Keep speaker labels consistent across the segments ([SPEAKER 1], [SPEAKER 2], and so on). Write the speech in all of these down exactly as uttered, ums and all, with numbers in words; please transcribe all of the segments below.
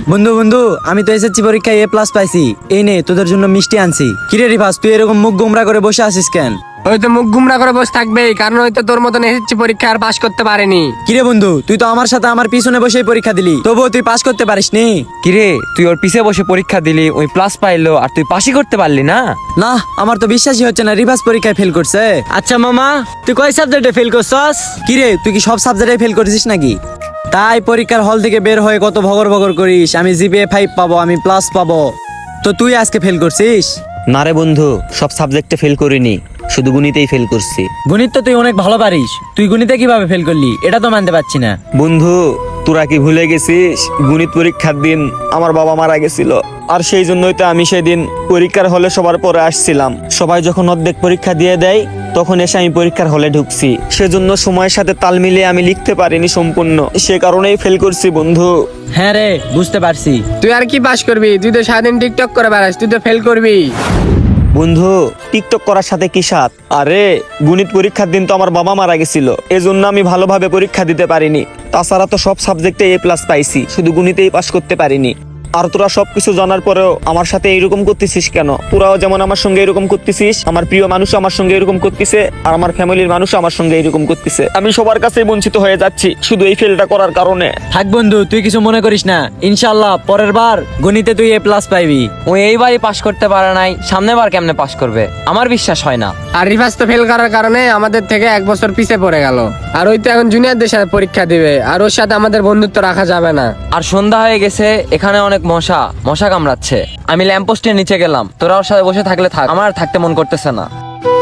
[SPEAKER 1] বন্ধু বন্ধু আমি তো এসএসসি পরীক্ষায় এ প্লাস পাইছি। এই নে তোদের জন্য মিষ্টি আনছি। কিরে রিভাস, তুই এরকম মুখ গোমরা করে বসে আছিস কেন?
[SPEAKER 2] ওই তো মুখ গুমরা করে বসে থাকবে, কারণ ওই তো তোর মতন এসেছি পরীক্ষা আর পাশ করতে পারেনি।
[SPEAKER 1] কিরে বন্ধু, তুই তো আমার সাথে আমার পিছনে বসেই পরীক্ষা দিলি, তবুও তুই পাস করতে পারিসনি।
[SPEAKER 3] কিরে তুই ওর পিছে বসে পরীক্ষা দিলি, ওই প্লাস পাইলো আর তুই পাসই করতে পারলি না?
[SPEAKER 1] না, আমার তো বিশ্বাসই হচ্ছে না রিভাস পরীক্ষায় ফেল করছে।
[SPEAKER 4] আচ্ছা মামা, তুই কয় সাবজেক্টে ফেল করছস?
[SPEAKER 1] কিরে তুই কি সব সাবজেক্টে ফেল করেছিস নাকি? তাই পরীক্ষার হল থেকে বের হয়ে কত ভগর ভগর করিস, আমি জিপিএ ফাইভ পাবো, আমি প্লাস পাবো, তো তুই আজকে ফেল করছিস।
[SPEAKER 5] না রে বন্ধু, সব সাবজেক্টে ফেল করিনি, শুধু গণিতেই ফেল করছি।
[SPEAKER 1] গণিত তো তুই অনেক ভালো পারিস, তুই গণিতে কিভাবে ফেল করলি এটা তো মানতে পারছি না।
[SPEAKER 5] বন্ধু তোরা কি ভুলে গেছিস গণিত পরীক্ষার দিন আমার বাবা মারা গেছিল, আর সেই জন্যই তো আমি সেদিন পরীক্ষার হলে সবার পরে আসছিলাম। সবাই যখন অর্ধেক পরীক্ষা দিয়ে দেয় তখন এসে আমি পরীক্ষার হলে ঢুকছি, সেজন্য সময়ের সাথে তাল মিলিয়ে আমি লিখতে পারিনি সম্পূর্ণ, সে কারণেই ফেল করছি বন্ধু।
[SPEAKER 1] হ্যাঁ রে, বুঝতে পারছি।
[SPEAKER 2] তুই আর কি পাশ করবি? তুই তো সারাদিন টিকটক করে বেড়াস, তুই তো ফেল করবি।
[SPEAKER 5] বন্ধু টিকটক করার সাথে কি সাথ? আরে গণিত পরীক্ষার দিন তো আমার বাবা মারা গেছিল, এজন্য আমি ভালোভাবে পরীক্ষা দিতে পারিনি। তাছাড়া তো সব সাবজেক্টে এ প্লাস পাইছি, শুধু গণিতেই পাস করতে পারিনি। আর তোরা সবকিছু জানার পরেও আমার সাথে এইরকম করতেছিস কেন? তোরাও যেমন আমার সঙ্গে এরকম করতেছিস, আমার প্রিয় মানুষ আমার সঙ্গে এরকম করতেছে, আর আমার ফ্যামিলির মানুষ আমার সঙ্গে এরকম করতেছে। আমি সবার কাছেই বঞ্চিত হয়ে যাচ্ছি শুধু এই ফেলটা করার কারণে।
[SPEAKER 1] থাক বন্ধু, তুই কিছু মনে করিস না, ইনশাআল্লাহ পরের বার গণিতে তুই এ প্লাস পাইবি।
[SPEAKER 3] ওই এইবারই পাস করতে পারে নাই, সামনের বার কেমনে পাস করবে আমার বিশ্বাস হয় না।
[SPEAKER 2] আর রিভাস তো ফেল করার কারণে আমাদের থেকে এক বছর পিছে পড়ে গেল, আর ওই তো এখন জুনিয়রদের সাথে পরীক্ষা দিবে, আর ওর সাথে আমাদের বন্ধুত্ব রাখা যাবে না।
[SPEAKER 3] আর সন্ধ্যা হয়ে গেছে, এখানে অনেক মশা মশা কামড়াচ্ছে। আমি ল্যাম্পপোস্টের নিচে গেলাম, তোরা ওর সাথে বসে থাকলে থাক, আমার আর থাকতে মন করতেছে না।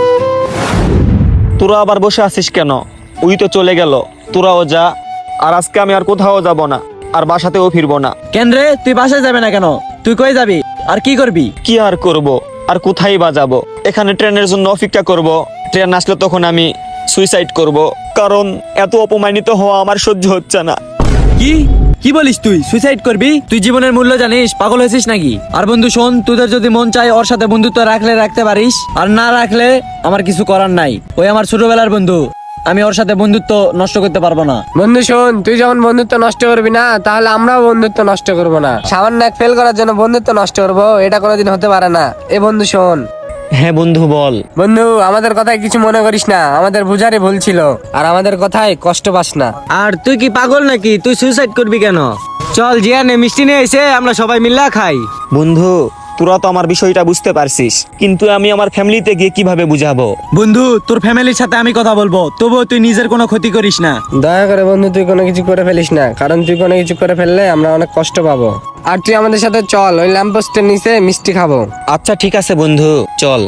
[SPEAKER 5] তোরা আবার বসে আছিস কেন? ওই তো চলে গেল, তোরাও যা। আর আজকে আমি আর কোথাও যাব না, আর বাসাতেও ফিরবো না।
[SPEAKER 1] কেন রে, তুই বাসায় যাবে না কেন? তুই কই যাবি আর কি করবি?
[SPEAKER 5] কি আর করব, আর কোথায় বা যাব? এখানে ট্রেনের জন্য অপেক্ষা করব, ট্রেন আসলে তখন আমি সুইসাইড করব, কারণ এত অপমানিত হওয়া আমার সহ্য হচ্ছে না।
[SPEAKER 1] কি কি বলিস? তুই সুইসাইড করবি? তুই জীবনের মূল্য জানিস? পাগল হয়েছিস নাকি? আর বন্ধু শোন, তোদের যদি মন চায় ওর সাথে বন্ধুত্ব রাখলে রাখতে পারিস, আর না রাখলে আমার কিছু করার নাই। ওই আমার ছোটবেলার বন্ধু, আমি ওর সাথে বন্ধুত্ব নষ্ট করতে পারবো না।
[SPEAKER 2] বন্ধু শোন, তুই যেমন বন্ধুত্ব নষ্ট করবি না, তাহলে আমরাও বন্ধুত্ব নষ্ট করব না। সামান্য এক ফেল করার জন্য বন্ধুত্ব নষ্ট করবো, এটা কোনোদিন হতে পারে না। এ বন্ধু শোন।
[SPEAKER 5] হ্যাঁ বন্ধু বল।
[SPEAKER 2] বন্ধু আমাদের কথায় কিছু মনে করিস না, আমাদের বুঝারই ভুল ছিল, আর আমাদের কথায় কষ্ট পাস না।
[SPEAKER 4] আর তুই কি পাগল নাকি? তুই সুইসাইড করবি কেন? চল জিয়ানে মিষ্টি নিয়ে এসে আমরা সবাই মিল্লা খাই।
[SPEAKER 5] বন্ধু তোরা তো আমার বিষয়টা বুঝতে পারছিস, কিন্তু আমি আমার ফ্যামিলিতে গিয়ে কিভাবে বুঝাবো?
[SPEAKER 1] বন্ধু, তোর ফ্যামিলির সাথে আমি কথা বলবো, তবুও তুই নিজের কোনো ক্ষতি করিস না।
[SPEAKER 2] দয়া করে বন্ধু তুই কোনো কিছু করে ফেলিস না, কারণ তুই কোনো কিছু করে ফেললে আমরা অনেক কষ্ট পাবো। আর তুই আমাদের সাথে চল, ওই ল্যাম্পপোস্টের নিচে মিষ্টি খাবো।
[SPEAKER 5] আচ্ছা ঠিক আছে বন্ধু, চল।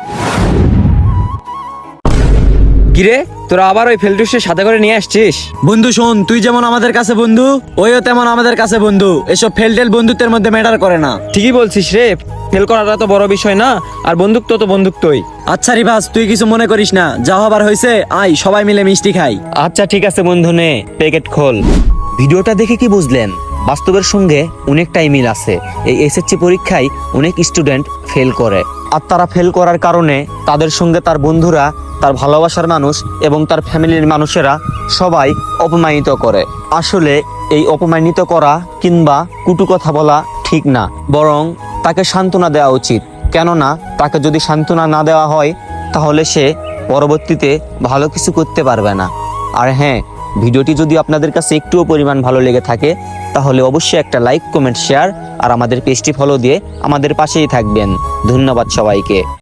[SPEAKER 3] কিরে তোরা আবার ওই ফেলটুসের সাথে করে নিয়ে আসছিস?
[SPEAKER 1] বন্ধু শোন, তুই যেমন আমাদের কাছে বন্ধু, ওইও তেমন আমাদের কাছে বন্ধু। এসব ফেল টেল বন্ধুত্বের মধ্যে ম্যাটার করে না।
[SPEAKER 3] ঠিকই বলছিস রে, ফেল করাটা তো বড় বিষয় না, আর বন্ধুত্ব তো বন্ধুত্বই।
[SPEAKER 1] আচ্ছা রিভাস, তুই কিছু মনে করিস না, যা হবার হয়েছে আয় সবাই মিলে মিষ্টি খাই।
[SPEAKER 5] আচ্ছা ঠিক আছে বন্ধু, নে প্যাকেট খোল। ভিডিওটা দেখে কি বুঝলেন? বাস্তবের সঙ্গে অনেকটাই মিল আছে। এই এসএসসি পরীক্ষায় অনেক স্টুডেন্ট ফেল করে, আর তারা ফেল করার কারণে তাদের সঙ্গে তার বন্ধুরা, তার ভালোবাসার মানুষ এবং তার ফ্যামিলির মানুষেরা সবাই অপমানিত করে। আসলে এই অপমানিত করা কিংবা কুটু কথা বলা ঠিক না, বরং তাকে সান্ত্বনা দেওয়া উচিত। কেননা তাকে যদি সান্ত্বনা না দেওয়া হয় তাহলে সে পরবর্তীতে ভালো কিছু করতে পারবে না। আর হ্যাঁ, ভিডিওটি যদি আপনাদের কাছে একটুও পরিমাণ ভালো লেগে থাকে তাহলে অবশ্যই একটা লাইক, কমেন্ট, শেয়ার আর আমাদের পেজটি ফলো দিয়ে আমাদের পাশেই থাকবেন। ধন্যবাদ সবাইকে।